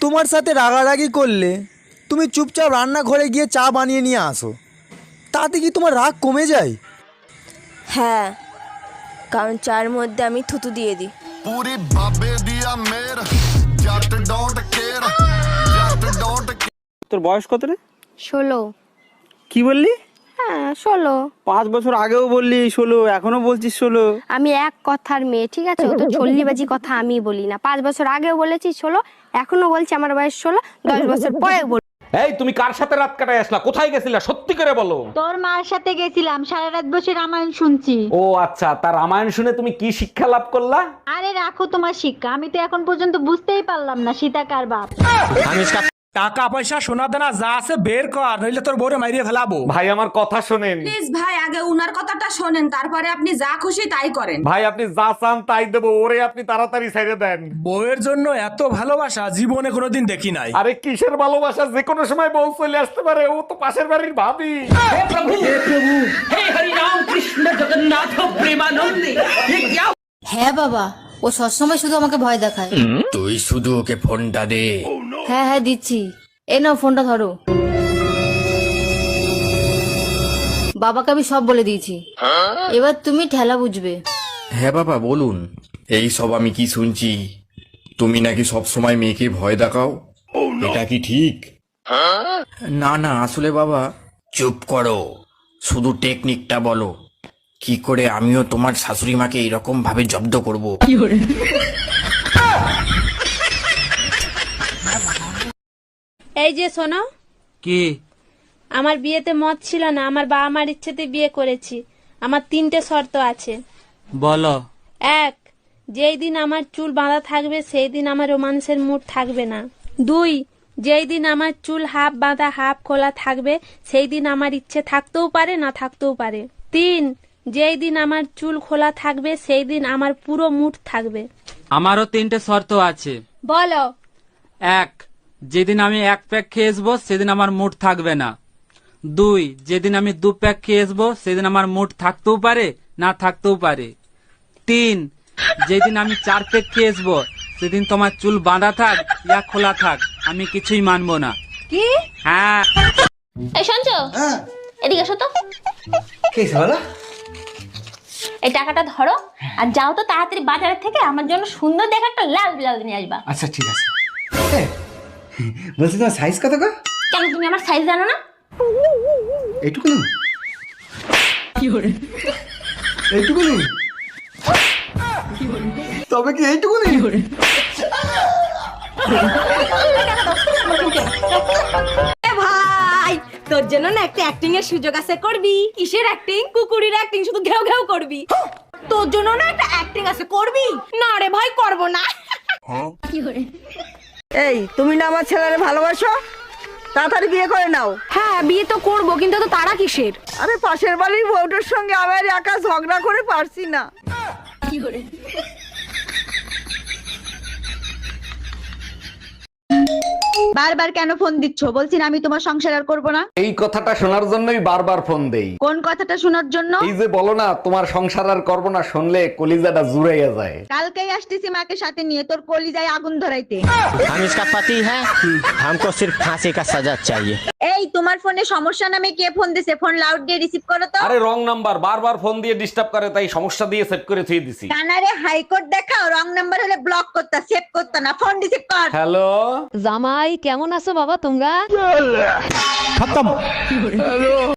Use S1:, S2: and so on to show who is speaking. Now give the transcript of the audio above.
S1: তোমার সাথে রাগারাগি করলে তুমি চুপচাপ রান্নাঘরে গিয়ে চা বানিয়ে নিয়ে আসো, তাতে কি তোমার রাগ কমে যায়?
S2: হ্যাঁ, কারণ চায়ের মধ্যে আমি থুতু দিয়ে দিই।
S3: पूरी बाबे दिया मेर जट डोंट केयर जट डोंट
S4: তোর বয়স কত রে?
S5: 16।
S4: কি বললি?
S5: হ্যাঁ 16।
S4: 5 বছর আগেও বললি 16, এখনো বলছিস 16।
S5: আমি এক কথার মেয়ে, ঠিক আছে? ও তো চল্লিবাজি কথা আমি বলি না। 5 বছর আগেও বলেছি 16, এখনো বলছি আমার বয়স 16, 10 বছর পরে বল।
S6: এই তুমি কার সাথে রাত কাটায় আসলা? কোথায় গেছিলা? সত্যি করে বলো।
S7: তোর মার সাথে গেছিলাম, সারা রাত বসে রামায়ণ শুনছি।
S6: ও আচ্ছা, তার রামায়ণ শুনে তুমি কি শিক্ষা লাভ করলা?
S7: আরে রাখো তোমার শিক্ষা, আমি তো এখন পর্যন্ত বুঝতেই পারলাম না সীতা কার বাপ।
S8: টাকা পয়সা সোনা দানা যা আছে বের কর, নইলে তোর বউরে মাইরিয়ে ফেলাবো।
S6: ভাই আমার কথা শোনেন।
S9: প্লিজ ভাই, আগে উনার কথাটা শোনেন, তারপরে আপনি যা খুশি তাই করেন।
S6: ভাই আপনি যা চান তাই দেবো, ওরে আপনি তাড়াতাড়ি ছেড়ে দেন।
S8: বউয়ের জন্য এত ভালোবাসা জীবনে কোনোদিন দেখি নাই।
S6: আরে কিসের ভালোবাসা, যে কোনো সময় বউ চলে আসতে পারে, ও তো পাশের বাড়ির ভাবি।
S10: হ্যাঁ বাবা, ও সবসময় শুধু আমাকে ভয় দেখায়।
S11: তুই শুধু ওকে ফোনটা দে।
S10: হ্যাঁ হ্যাঁ দিচ্ছি, এ নাও ফোনটা ধরো। বাবাকে আমি সব বলে দিয়েছি, এবার তুমি ঠেলা বুঝবে।
S11: হ্যাঁ বাবা বলুন। এই সব আমি কি শুনছি? তুমি নাকি সব সময় মেয়েকে ভয় দেখাও, এটা কি ঠিক? না না, আসলে বাবা। চুপ করো, শুধু টেকনিকটা বলো, কি করে আমিও তোমার শাশুড়ি মাকে এরকম ভাবে জব্দ করব।
S5: এই যে শোনো,
S4: কি?
S5: আমার বিয়েতে মত ছিল না, আমার বাবা মার ইচ্ছেতে বিয়ে করেছি। আমার 3টে শর্ত আছে।
S4: বলো।
S5: 1, যেই দিন আমার চুল বাঁধা থাকবে সেই দিন আমার রোমান্সের মুড থাকবে না। 2, যেই দিন আমার চুল হাফ বাঁধা হাফ খোলা থাকবে সেই দিন আমার ইচ্ছে থাকতেও পারে না থাকতেও পারে। 3, যেই দিন আমার চুল খোলা থাকবে সেই দিন আমার পুরো মুড থাকবে।
S4: আমারও 3টে শর্ত আছে।
S5: বলো।
S4: 1, যেদিন আমি 1 প্যাক খেয়ে আসবো সেদিন আমার মুড থাকবে না। 2, যেদিন আমি 2 প্যাক খেয়ে আসবো সেদিন আমার মুড থাকতেও পারে না থাকতেও পারে। 3, যেদিন আমি 4 প্যাক খেয়ে আসবো সেদিন তোমার চুল বাঁধা থাক ইয়া খোলা থাক, আমি কিছুই মানবো না।
S5: কি?
S4: হ্যাঁ।
S2: এই শুনছো? এদিকে এসো তো। এই টাকাটা ধরো আর যাও তো তাড়াতাড়ি বাজারের থেকে আমার জন্য সুন্দর দেখে একটা লাল ব্লাউজ নিয়ে আসবা।
S1: আচ্ছা ঠিক আছে। বলছি তোমার সাইজ কত গো?
S2: কেন তুমি আমার সাইজ জানো না?
S1: এইটুকু না? এইটুকু নেই? তবে কি এইটুকু নেই?
S9: ভাই, তোর জন্য না একটা অ্যাক্টিং এর সুযোগ আছে, করবি? কিসের অ্যাক্টিং? কুকুরের অ্যাক্টিং, শুধু ঘেউ ঘেউ করবি। তোর জন্য না একটা অ্যাক্টিং আছে, করবি? না রে ভাই, করব না।
S7: এই তুমি না আমার ছেলেরে ভালোবাসো, তাড়াতাড়ি বিয়ে করে নাও।
S5: হ্যাঁ বিয়ে তো করবো, কিন্তু তো তারা কিসের?
S7: আরে পাশের বাড়ির বউটার সঙ্গে আমার একা ঝগড়া করে পারছি না। বারবার কেন ফোন দিচ্ছ? বলছি না আমি তোমার সংসার আর করবো না।
S6: এই কথাটা শোনার জন্যই বারবার ফোন দেই।
S7: কোন কথাটা শোনার জন্য?
S6: এই যে বলো না তোমার সংসার আর করবো না, শুনলে কলিজাটা জুড়াইয়া যায়।
S7: কালকেই আসতেছি মাকে সাথে নিয়ে তোর কলিজায় আগুন ধরাইতে।
S1: हम इसका पति है, हमको सिर्फ फांसी का सजा चाहिए।
S7: এই তোমার ফোনে সমস্যা নামে কে ফোন দিছে? ফোন লাউড দিয়ে রিসিভ করো তো।
S6: আরে রং নাম্বার, বারবার ফোন দিয়ে ডিস্টার্ব করে, তাই সমস্যা দিয়ে সেট করে থুয়ে দিছি।
S7: কানারে হাইকোর্ট দেখাও, রং নাম্বার হলে ব্লক করতা, সেভ করতা না, ফোন রিসিভ কর।
S6: হ্যালো
S10: জামাই কেমন আছো বাবা তোমরা?